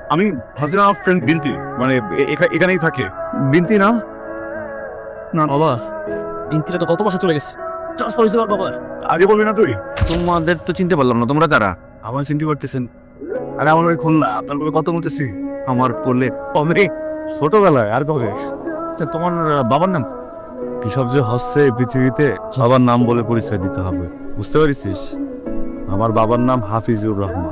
আমি হাসিনা ফ্রেন্ড বিনতি, মানে এখানেই থাকে। বিনতি না? না বাবা, বিনতিটা তো কত বছর চলে গেছে। ট্রান্সফার হয়েছে বাবা। আগে বলবি না তুই? তোমাদের তো চিনতে পারলাম না, তোমরা কারা? আমার চিনতে পারতেছেন? আরে আমার ওই খুলনা, আপনার লোকের কথা বলতেছি। আমার কোলে অমরে ছোটবেলায় আর কবে? আচ্ছা, তোমার বাবার নাম? কি সব যে হচ্ছে এই পৃথিবীতে, সবার নাম বলে পরিচয় দিতে হবে, বুঝতে পারিস? আমার বাবার নাম হাফিজুর রহমান।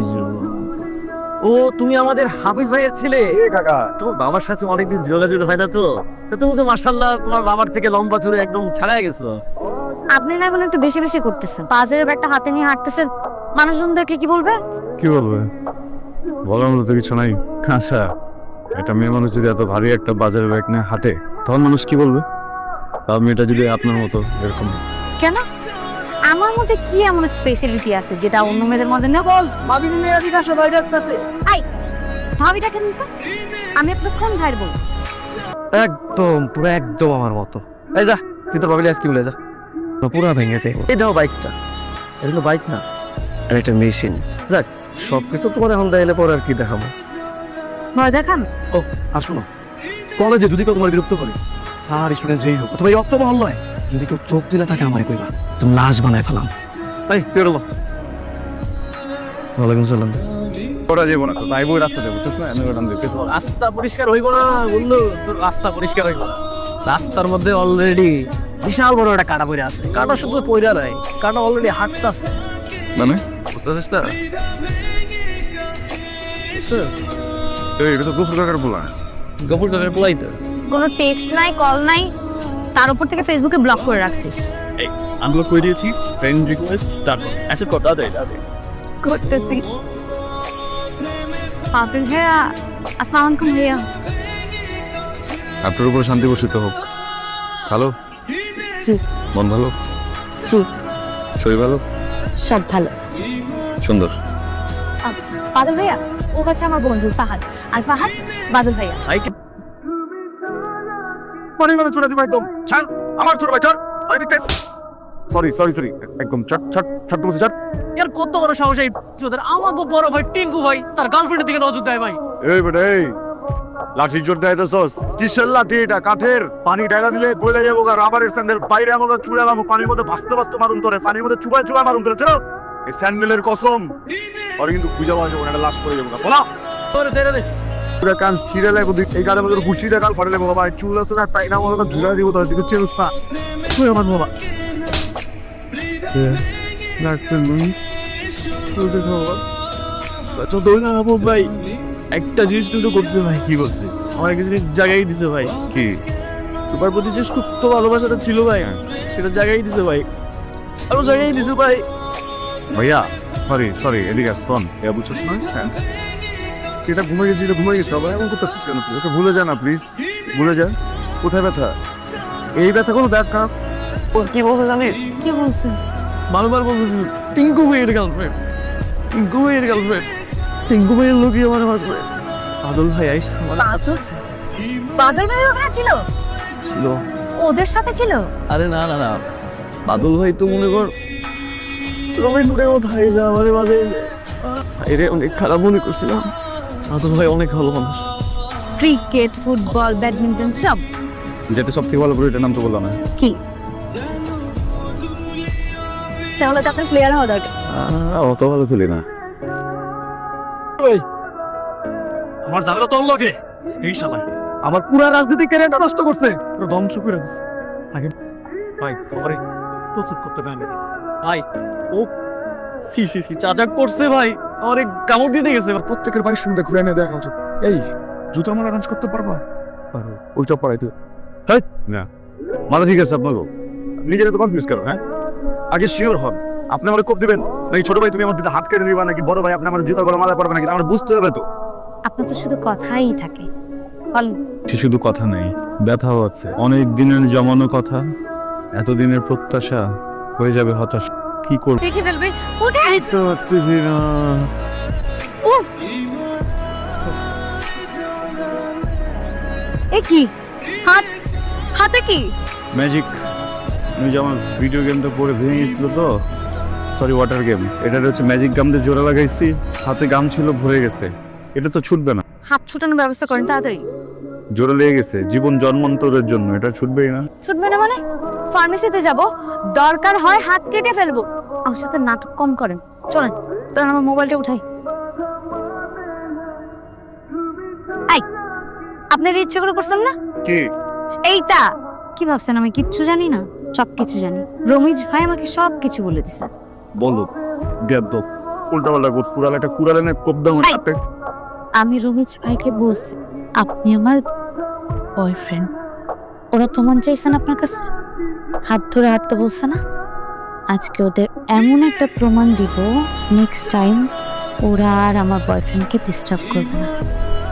ও, তুমি আমাদের হাফিজ ভাইয়ের ছেলে? এ কাকা, তোমার বাবার সাথে অনেকদিন যোগাযোগ হয় না তো, তুমি তো মাশাআল্লাহ তোমার বাবার থেকে লম্বা চুলে একদম ছাড়াই গেছো। আপনি না এখন একটু বেশি বেশি করতেছেন। বাজারের ব্যাগটা হাতে নিয়ে হাঁটতেছেন, মানুষজনদেরকে কি বলবে? কি বলবে? বলার মতো তো কিছু নাই। আচ্ছা, একটা মেয়ে মানুষ যদি এত ভারী একটা বাজারের ব্যাগ নিয়ে হাঁটে, তখন মানুষ কি বলবে? তার মেয়েটা যদি আপনার মতো এরকম। কেন? আমার মধ্যে কি এমন স্পেশালিটি আছে যেটা অন্য মেয়েদের মধ্যে নেই? বল, ভাবি নিয়ে আজকে আসো, ভাই ডাকতেছে। আই, ভাবিটা কেন তো? আমি এতক্ষণ ভাইয়ের বল। একদম পুরো একদম আমার মতো। এই যা, তুই তোর বাবিলে আজকে বলে যা, পুরো ভেঙেছে। এই দাও বাইকটা, এটা তো বাইক না, আর একটা মেশিন। যাক, সবকিছু তোমার এখন দেখাইলে পরে আর কি দেখাবো। ভয় দেখান? ও আসো না, কলেজে যদি কেউ তোমার বিরক্ত করে, স্যার স্টুডেন্ট যেই হোক, অথবা এই অক্টোবর হল নয়, যদি কেউ চোখ দিলে তাকে আমার কইবা, তুমি লাশ বানায় ফেলাম। তাই বেরোলো। ওয়ালাইকুম সালাম। ওরা যাবো না তো, তাই বই রাস্তা যাবো, বুঝছিস না? এনে ওটা দেখতে রাস্তা পরিষ্কার হইব না বললো, তোর রাস্তা পরিষ্কার হইব না। রাস্তার মধ্যে অলরেডি বিশাল বড় একটা কাটা পড়ে আছে। কাটা শুধু পয়রা নয়, কাটা অলরেডি হাঁটতেছে। মানে বুঝতেছিস না? এটা তো গুফর কাকার বলা। গফুর কাকার পোলাই তো। কোনো টেক্সট নাই, কল নাই, তার উপর থেকে ফেসবুকে ব্লক করে রাখছিস। এই আমি ব্লক করে দিয়েছি, ফ্রেন্ড রিকোয়েস্ট স্টার্ট অ্যাকসেপ্ট কর, দাদা দাদা করতেছি। পাগল ভাইয়া, আসসালামু আলাইকুম ভাইয়া। আপনার উপর শান্তি বর্ষিত হোক। ভালো? জি মন ভালো? জি, শরীর ভালো? সব ভালো। সুন্দর। বাদল ভাইয়া, ও হচ্ছে আমার বন্ধু ফাহাদ, আর ফাহাদ বাদল ভাইয়া। মানে মানে চলে দিবা একদম। ছাড়, আমার ছোট ভাই ছাড়। সরি সরি সরি, একদম ছাড় ছাড় ছাড়, বলছি ছাড়। ইয়ার কত বড় সাহস এই তোদের! আমাকে বড় ভাই টিঙ্কু ভাই তার গার্লফ্রেন্ডের দিকে নজর দেয় ভাই। এই বেটা, এই লাঠি জোর দেয় তো সস। কিসের লাঠি এটা? কাঠের। পানি ঢালা দিলে গলে যাবো। রাবারের স্যান্ডেল বাইরে আমাকে চুড়ে যাবো, পানির মধ্যে ভাসতে ভাসতে মারুন করে, পানির মধ্যে চুবায় চুবায় মারুন করে। চলো, এই স্যান্ডেলের কসম, পরে কিন্তু খুঁজে পাওয়া যাবো না, একটা লাশ পড়ে যাবো। বলা তোরে ছেড়ে দে। পুরো কান ছিঁড়ে লাগবো, এই গানের মধ্যে ঘুষি দিয়ে কান ফাটে লাগবো। বাবা চুল আছে না, তাই না আমাকে ঝুলা দিব, তার দিকে চেঞ্জ না। তুই আমার বাবা লাগছেন নুই ভাই একটা জিনিস দুটো করছে ভাই। কি করছিস? আমার কিছু জায়গায় দিছে ভাই। কি? তোমার প্রতি যে সুপ্ত ভালোবাসাটা ছিল ভাই, সেটা জায়গায় দিছে ভাই, আরো জায়গায় দিছে ভাই। ভাইয়া সরি সরি, এদিকে আস। শোন, এ বুঝছিস না? হ্যাঁ, এটা ঘুমিয়ে গেছি, এটা ঘুমিয়ে গেছে। আবার এমন করতেছিস কেন তুই? ওকে ভুলে যা না প্লিজ, ভুলে যা। কোথায় ব্যথা? এই ব্যথা কোনো দেখা। কি বলছে জানিস? কি বলছেন? বারবার বলতেছি টিঙ্কু ভাইয়ের গার্লফ্রেন্ড, টিঙ্কু ভাইয়ের গার্লফ্রেন্ড, টিঙ্কু ভাইয়ের লোকই আমার হাজবেন্ড। আদল ভাই আইস আমার বাদল ভাই ওখানে ছিল? ছিল। ওদের সাথে ছিল? আরে না না না, বাদল ভাই তো মনে কর রমেন ফুটের মতো হয়ে যা আমাদের মাঝে। এরে অনেক খারাপ মনে করছিলাম। বাদল ভাই অনেক ভালো মানুষ। ক্রিকেট, ফুটবল, ব্যাডমিন্টন সব? যেটা সব থেকে ভালো করে এটার নাম তো বললাম না। কি? তাহলে তো আপনার প্লেয়ার হওয়া দরকার। অত ভালো খেলি না। আমার ঝামেলা তোর লগে, এই শালা আমার পুরা রাজনীতি ক্যারিয়ারটা নষ্ট করছে, পুরো ধ্বংস করে দিচ্ছে। আগে ভাই সরি, প্রচুর করতে পারি ভাই। ও সি সি সি চাচাক পড়ছে ভাই, আমার কামড় দিতে গেছে। প্রত্যেকের বাড়ির সঙ্গে ঘুরে এনে দেখা উচিত। এই জুতো মালা অ্যারেঞ্জ করতে পারবা? পারো। ওই চপ পাড়াইতে না মাথা ঠিক আছে আপনার? নিজেরা তো কনফিউজ করো। হ্যাঁ, আগে শিওর হন আপনি আমার কোপ দিবেন নাকি ছোট ভাই তুমি আমার দুটো হাত কেটে নিবা, নাকি বড় ভাই আপনি আমার জুতো গলা মালা পড়বে নাকি? আমার বুঝতে হবে তো। আপনার তো শুধু কথাই থাকে। বলেন। সে শুধু কথা নেই, ব্যথাও আছে। অনেক দিনের জমানো কথা, এতদিনের প্রত্যাশা হয়ে যাবে হতাশ। কি করব? দেখে ফেলবে। উঠে এ কি? হাত, হাতে কি? ম্যাজিক। আমি যেমন ভিডিও গেমটা পরে ভেঙে গেছিল তো, সরি ওয়াটার গেম, এটা হচ্ছে ম্যাজিক গাম দিয়ে জোড়া লাগাইছি, হাতে গাম ছিল ভরে গেছে। এটা তো ছুটবে না। হাত ছুটানোর ব্যবস্থা করেন তাড়াতাড়ি। জোরে লেগে গেছে, জীবন জন্মান্তরের জন্য, এটা ছুটবেই না। ছুটবে না মানে? ফার্মেসিতে যাব, দরকার হয় হাত কেটে ফেলবো। আমার সাথে নাটক কম করেন, চলেন। তখন আমার মোবাইলটা উঠাই। এই, আপনার ইচ্ছে করে করছেন না? কি এইটা কি ভাবছেন আমি কিচ্ছু জানি না? সব কিছু জানি। রমিজ ভাই আমাকে সব কিছু বলে দিছে। বলো বেদ্য, উল্টাপাল্টা কোট, কুড়াল একটা কুড়ালে না কোপ দাও এই! হাতে। আমি রমিজ ভাইকে বলছি আপনি আমার বয়ফ্রেন্ড। ওরা প্রমাণ চাইছেন আপনার কাছে, হাত ধরে হাঁটতে বলছে না? আজকে ওদের এমন একটা প্রমাণ দিব, নেক্সট টাইম ওরা আর আমার বয়ফ্রেন্ডকে ডিস্টার্ব করবে না।